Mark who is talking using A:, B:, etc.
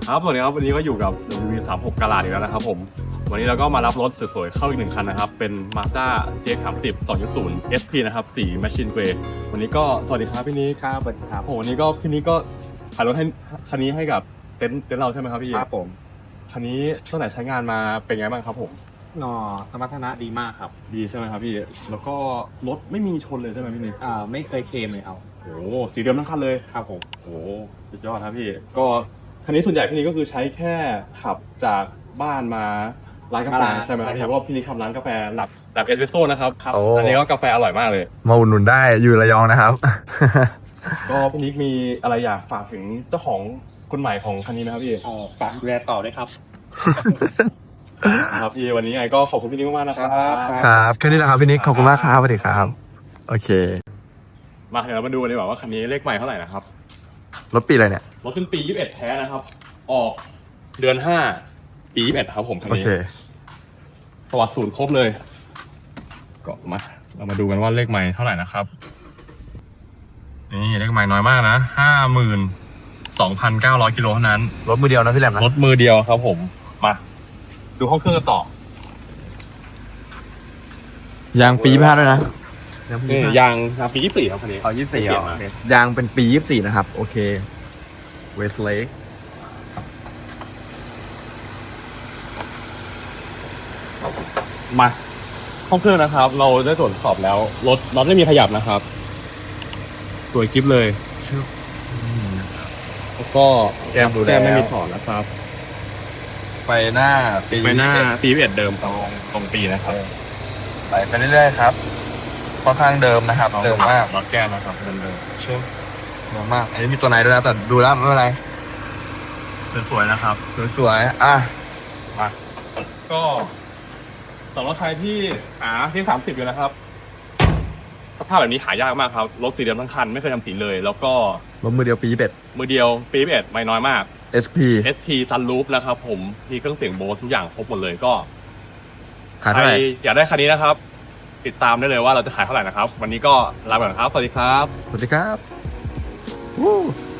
A: ครับสวัสดีครับวันนี้ก็อยู่กับ WV36 กาลาดอีกแล้วนะครับผมวันนี้เราก็มารับรถสวยๆเข้าอีกหนึ่งคันนะครับเป็น Mazda CX-30 2.0 SP นะครับสี Machine Grey วันนี้ก็สวัสดีครับพี่นิกครับสวัสดีครับผมวันนี้ก็พี่นิกก็ขายรถให้คันนี้ให้กับเต็นท์เราใช่ไหมครับพี่
B: ครับผม
A: คันนี้ตั้งแต่ใช้งานมาเป็นไงบ้างครับผม
B: สมรรถนะดีมากครับ
A: ดีใช่ไหมครับพี่แล้วก็รถไม่มีชนเลยใช่ไหมพี่นิก
B: ไม่เคยเคลมเลยเอา
A: โอ้สีเดิมทั้งคันเลย
B: ครับผม
A: โอ้สุดยอดครับพี่ก็คันนี้ส่วนใหญ่พี่นิกก็คือใช้แค่ขับจากบ้านมาร้านกาแฟใช่ไหมครับพี่เพราะว่าพี่นิกทำร้านกาแฟแบบเอสเปรสโซ่นะครับอันนี้ก็กาแฟอร่อยมากเลย
C: มาอุดหนุนได้อยู่ระยองนะครับ
A: ก็พี่นิกมีอะไรอยากฝากถึงเจ้าของคนใหม่ของคันนี้ไหมครับพี่
B: ฝากดูแลต่อด้วยครับ
A: ครับพี่วันนี้ไงก็ขอบคุณพี่นิกมากๆนะครับ
C: ครับแค่นี้แหละครับพี่นิกขอบคุณมากครับสวัสดีครับโอเค
A: มาเดี๋ยวเรามาดูกันดีกว่าว่าคันนี้เลขใหม่เท่าไหร่นะครับ
C: รถปีอะไรเนี่ย
A: รถเป็นปี21แท้นะครับออกเดือน5ปี21ครับผมคันนี้ประวัติศูนย์ครบเลยก็มาเรามาดูกันว่าเลขใหม่เท่าไหร่นะครับนี่เลขใหม่น้อยมากนะ52,900 กิโลเท่านั้น
C: รถมือเดียวนะพี่แหลมนะ
A: รถมือเดียวครับผมมาดูห้องเครื่องกันต่อย
C: างปี25ด้วยนะ
A: นี่ยางปี24ครับคันนี้
C: 24เหรอยางเป็นปี24นะครับโอเคเวสเลก
A: มาห้องเครื่องนะครับเราได้ตรวจสอบแล้วรถน็อตไม่มีขยับนะครับสวยกิ๊บเลยแล้วก็แก้มไม่มีถอดนะครับ
C: ไปหน้า
A: ปี21เดิมตรงปีนะครับ
C: ไปเรื่อยๆครับค่อนข้างเดิมนะครับเดิมมาก
A: น็อตแก้มนะครับเดิม
C: เดิมมากอันนี้มีตัวไหนด้วยนะแต่ดูแล้วไม่เป็นไร
A: สวยนะครับ
C: สวย
A: มาก็สำหรับใครที่ที่30อยู่นะครับสภาพแบบนี้หายากมากครับรถสีเดิมทั้งคันไม่เคยทำสีเลยแล้วก็
C: รถมือเดียวปี
A: มือเดียวปี21ไม่น้อยมาก
C: SP
A: Sunroof นะครับผมมีเครื่องเสียงโบสทุกอย่างครบหมดเลยก็
C: ขายเท่าไหร่
A: อยากได้คันนี้นะครับติดตามได้เลยว่าเราจะขายเท่าไหร่นะครับวันนี้ก็ลาไปก่อนครับสวัสดีครับ
C: สวัสดีครับ